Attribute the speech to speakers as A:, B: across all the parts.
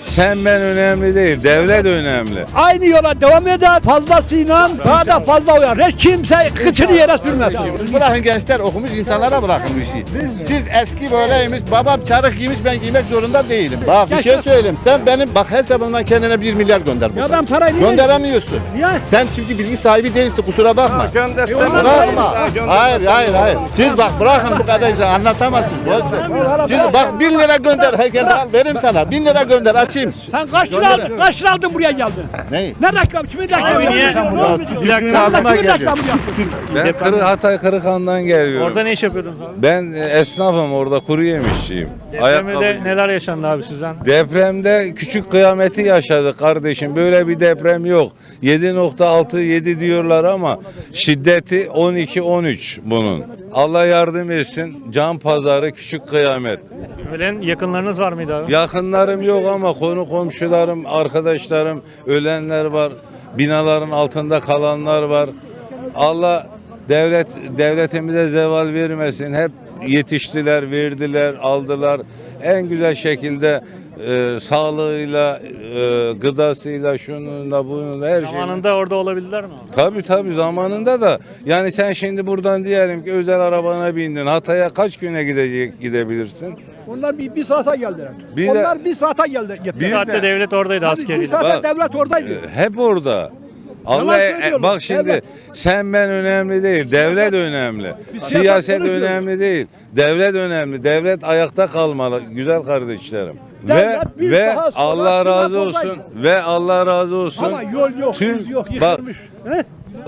A: Sen ben önemli değil, devlet önemli.
B: Aynı yola devam eder. Fazlasıyla daha da fazla uyar. Hiç kimse kıçını yere sürmesin.
C: Siz bırakın gençler, okumuş insanlara bırakın bu işi. Siz eski böyleymiş, babam çarık giymiş, ben giymek zorunda değilim. Bak bir şey söyleyeyim, sen benim bak hesabımdan kendine 1 milyar gönder buradan.
B: Ya ben parayı niye-
C: Gönderemiyorsun.
B: Niye?
C: Sen çünkü bilgi sahibi değilsin, kusura bakma.
A: Göndersen
C: Bırakma. Hayır. Siz bak bırakın bu kadar insan anlatamazsınız. Boş ver. Siz bak 1000 lira gönder. Herkese al vereyim sana. 1000 lira gönder açayım.
B: Sen kaç lira
C: Gönder.
B: aldın? Kaç lira aldın buraya geldin?
C: Ne?
B: Ne reklam? Kimin reklamı?
D: Abi niye?
C: Bir dakika ağzıma
B: Kimin
C: geliyor.
B: reklamı yapıyorsun?
A: Ben Hatay Kırıkhan'dan geliyorum.
D: Orada ne iş yapıyordunuz abi?
A: Ben esnafım, orada kuru yemişçiyim.
D: Depremde neler yaşandı abi sizden?
A: Depremde küçük kıyameti yaşadık kardeşim. Böyle bir deprem yok. 7.67 diyorlar ama şiddeti 12-13 bunun. Allah yardım etsin. Can pazarı küçük kıyamet.
D: Ölen yakınlarınız var mıydı abi?
A: Yakınlarım yok ama konu komşularım, arkadaşlarım, ölenler var. Binaların altında kalanlar var. Allah devletimize zeval vermesin. Hep yetiştiler, verdiler, aldılar. En güzel şekilde sağlığıyla, gıdasıyla, şununla, bununla her şeyle.
D: Zamanında orada olabildiler mi?
A: Tabii zamanında da. Yani sen şimdi buradan diyelim ki özel arabana bindin. Hatay'a kaç güne gidebilirsin?
B: Onlar bir saate geldiler.
A: Bir de-
B: Onlar bir saate geldi.
A: Bir
D: Bir saatte
A: de-
D: devlet oradaydı
B: Bir
D: askeriyle.
B: saate
A: Bak,
B: devlet oradaydı.
A: Hep orada. Allah
B: söylüyorlar.
A: bak şimdi
B: Evet.
A: sen ben önemli değil, devlet önemli. Siyaset
B: konuşuyoruz.
A: önemli değil, devlet önemli. Devlet ayakta kalmalı güzel kardeşlerim.
B: Devlet bir
A: Ve
B: saat sonra
A: Allah razı
B: devlet
A: olsun
B: oradaydı.
A: ve Allah razı olsun.
B: Ama yol yok,
A: Tüm
B: yok,
A: bak
B: yıkılmış. He?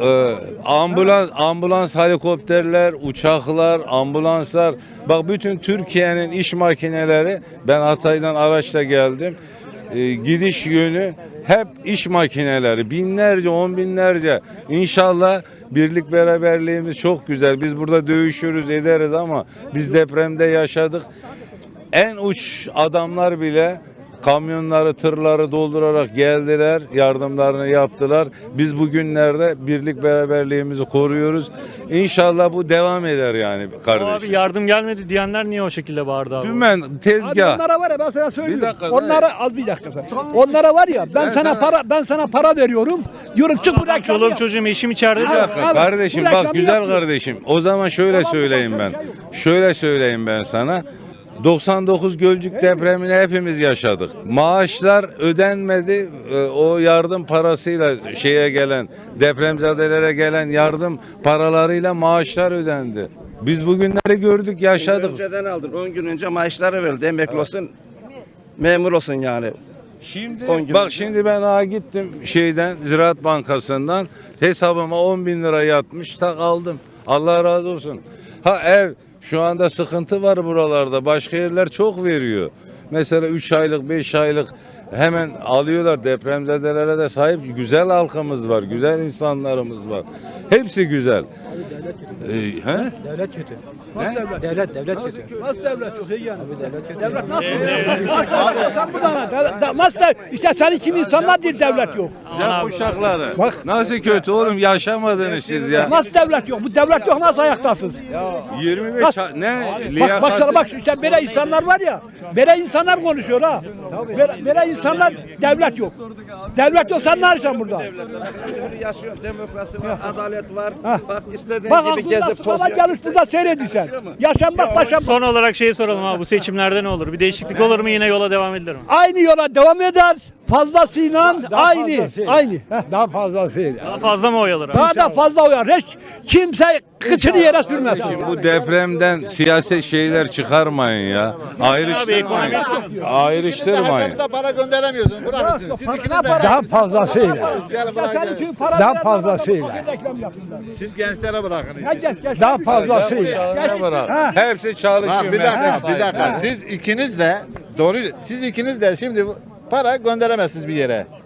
A: ambulans helikopterler, uçaklar, ambulanslar. Bak bütün Türkiye'nin iş makineleri, ben Hatay'dan araçla geldim. Gidiş yönü hep iş makineleri. Binlerce, on binlerce. İnşallah birlik beraberliğimiz çok güzel. Biz burada dövüşürüz, ederiz ama biz depremde yaşadık. En uç adamlar bile kamyonları, tırları doldurarak geldiler, yardımlarını yaptılar. Biz bugünlerde birlik beraberliğimizi koruyoruz. İnşallah bu devam eder yani kardeşim.
D: Abi yardım gelmedi diyenler niye o şekilde bağırdı abi?
A: Dümen
B: Abi
A: tezgah.
B: onlara var ya ben sana söylüyorum.
A: Bir dakika,
B: Onlara az bir dakika sen. Onlara var ya ben sana para veriyorum. Diyorum çık bu
D: Ben
B: reklamı
D: çoluğum
B: yap.
D: çocuğum eşim içeride
A: Bir
D: diyor.
A: dakika
B: Abi,
A: kardeşim
B: bu
A: bak
B: reklamı
A: güzel
B: yapıyor.
A: kardeşim. O zaman şöyle söyleyeyim ben. Şöyle söyleyeyim ben sana. 99 Gölcük depremini hepimiz yaşadık. Maaşlar ödenmedi. O yardım parasıyla şeye gelen, depremzedelere gelen yardım paralarıyla maaşlar ödendi. Biz bugünleri gördük, yaşadık.
E: Önceden aldın. 10 gün önce maaşları verildi. Emekli olsun, memur olsun yani.
A: Şimdi
E: 10 gün
A: bak
E: önce.
A: şimdi ben gittim şeyden Ziraat Bankası'ndan hesabıma 10 bin lira yatmış tak aldım. Allah razı olsun. Ha ev şu anda sıkıntı var buralarda. Başka yerler çok veriyor. Mesela 3 aylık 5 aylık hemen alıyorlar, depremzedelere de sahip güzel halkımız var. Güzel insanlarımız var. Hepsi güzel.
B: Devlet kötü. Nasıl devlet? Devlet kötü. Nasıl devlet yok yani? Devlet nasıl? Sen buradan nasıl işte senin kimi insanlar değil devlet yok.
A: Ya uşakları. Bak nasıl kötü oğlum yaşamadınız siz ya.
B: Nasıl devlet yok? Bu devlet yok nasıl ayaktasınız?
A: 25 ne?
B: Bak sana bak işte böyle insanlar var ya. Böyle insanlar konuşuyor ha. Böyle insanlar devlet yok. Devlet yok sen ne arıyorsun burada?
E: Yaşıyor, demokrasi var, adalet var. Bak istediğin
B: Bak
E: gibi
B: aklında
E: gezip
B: sıkıla
E: tozuyor.
B: gelmiş burada seyrediysen. Yaşanmak başanmak.
D: Son olarak şeyi soralım abi, bu seçimlerde ne olur? Bir değişiklik olur mu, yine yola devam edilir mi?
B: Aynı yola devam eder. Fazlasıyla aynı. Aynı.
F: Daha fazlasıyla.
D: Daha fazla mı oy alır abi?
B: Daha da fazla uyar. Hiç kimse kıçını yere sürmesin.
A: Bu depremden siyaset şeyler çıkarmayın ya. Ayrıştırmayın. Ayrıştırmayın.
C: Hesapta para gönderemiyorsun. Bırakın siz ikiniz de.
F: Daha fazlasıyla.
C: Gelin bırakın.
F: Daha fazlasıyla.
C: Siz gençlere bırakın.
F: Daha fazlasıyla.
A: Ne bırak? Hepsi çalışıyor.
C: Bak bir dakika. Siz ikiniz de doğru. Siz ikiniz de şimdi para gönderemezsiniz bir yere.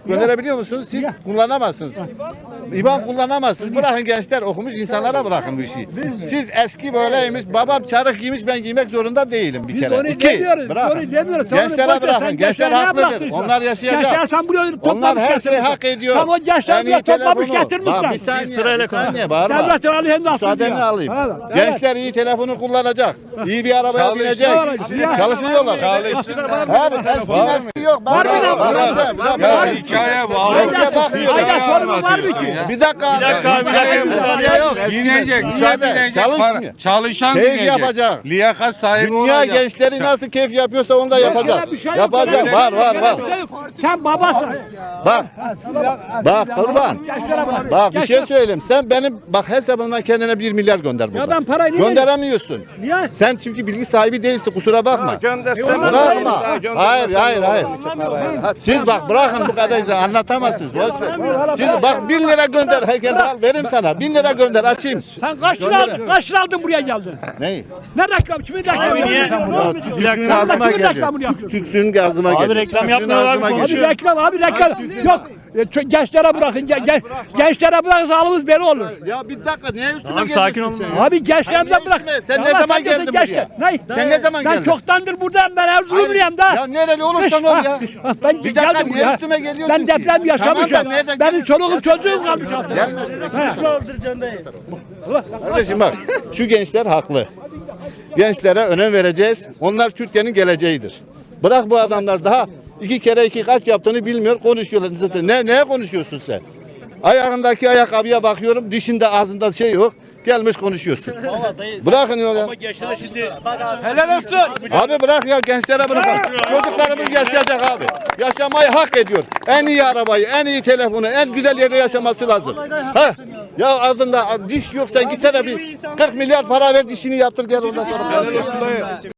C: Gönderebiliyor musunuz? Siz kullanamazsınız. İban kullanamazsınız. Bırakın gençler okumuş insanlara bırakın bu işi. Siz eski böyleymiş, babam çarık giymiş ben giymek zorunda değilim bir
B: Biz
C: kere.
B: onu
C: İki,
B: demiyoruz.
C: bırakın.
B: Onu demiyoruz. Sen onu boş
C: Gençlere
B: ver,
C: bırakın.
B: sen
C: Gençler
B: gençlere
C: haklıdır.
B: bıraktıysan.
C: Onlar yaşayacak.
B: Gençler sen buraya
C: Onlar
B: toplamış
C: her şeyi
B: getirmişsin.
C: hak ediyor.
B: Sen o gençleri
C: En iyi
B: buraya toplamış
C: telefonu.
B: getirmişsin.
C: Bak bir saniye,
D: sırayla
C: bir saniye bağırma.
B: Devletin aleyhinde aslında
C: Müsaadeni
B: ya.
C: alayım.
B: Evet.
C: Gençler iyi telefonu kullanacak. İyi bir arabaya binecek. Çalışıyorlar. Her eski nesil yok.
B: Var mı lan?
A: Ya hikaye bu.
C: Eskiye bakmıyor.
B: Ayda sorunu var mı ki?
C: Bir dakika.
D: Bir dakika, müsaade.
C: Eskiye yok. Eski
A: Binecek,
C: müsaade.
A: niye binecek?
C: Çalışmıyor.
A: Çalışan
C: Keyif
A: binecek.
C: yapacak.
A: Liyakat sahibi
C: Dünya
A: olacak.
C: gençleri nasıl keyif yapıyorsa onu da yapacak.
B: Bir şey yok.
C: Yapacak.
B: Öyle
C: Var var
B: bir
C: var.
B: şey yok. Sen babasın.
C: Bak. Bak kurban.
B: Gençlere bak.
C: Bak bir şey söyleyeyim. Sen benim bak hesabımdan kendine 1 milyar gönder burada.
B: ben parayı niye
C: Gönderemiyorsun.
B: Niye?
C: Sen çünkü bilgi sahibi değilsin kusura bakma.
E: Göndersen
C: Bırakma. Hayır hayır hayır. Siz bak bırakın bu kadar insan anlatamazsınız. Boş ver. Siz bak 1000 lira gönder. Herkese al verim sana. 1000 lira gönder açayım.
B: Sen kaç lira aldın? Kaç lira aldın buraya geldin?
C: Neyi?
B: Ne reklam? Kimin reklamı?
D: niye?
C: Ya, Tüksünün ağzıma
B: kimin
C: geliyor.
B: reklamını yapıyorsun?
C: Tüksünün ağzıma geliyor.
D: Abi reklam
C: Tüksünün
D: yapmıyorlar,
C: ağzıma
D: konuşuyor.
C: geliyor.
B: Abi reklam yok. Gençlere bırakın. Gençlere bırakırsa halımız beri olur.
C: Ya bir dakika niye üstüme
D: Tamam,
C: geliyorsun
D: sakin olun.
C: sen ya?
B: Abi gençlerden
C: Sen
B: bırak.
C: ne üstüme? Sen
B: Ya
C: ne
B: lan
C: zaman
B: diyorsun
C: geldin
B: gençler.
C: buraya?
B: Ne?
C: Sen ne zaman
B: Ben
C: geldin?
B: çoktandır buradayım. Ben Erzurumluyum da.
C: Ya nereli olursan ol ya.
B: Ben
C: Bir dakika,
B: geldim
C: niye
B: buraya.
C: üstüme geliyorsun
B: Ben
C: ki?
B: deprem yaşamışım.
C: Tamam da nereden
B: Benim
C: geliyorsun?
B: çoluğum çocuğum kalmış altında.
C: Gelme üstüme. Kardeşim bak şu gençler haklı. Gençlere önem vereceğiz. Onlar Türkiye'nin geleceğidir. Bırak bu adamlar daha 2 kere 2 kaç yaptığını bilmiyor konuşuyorlar. Zaten neye konuşuyorsun sen? Ayağındaki ayakkabıya bakıyorum dişinde ağzında şey yok. Gelmiş konuşuyorsun. Bırakın öyle.
B: Helal olsun.
C: Abi bırak ya gençlere bırakın. Çocuklarımız yaşayacak abi. Yaşamayı hak ediyor. En iyi arabayı, en iyi telefonu, en güzel yerde yaşaması lazım. Ha? Ya adında diş yok sen gitsene bir 40 milyar para ver dişini yaptır gel ondan sonra.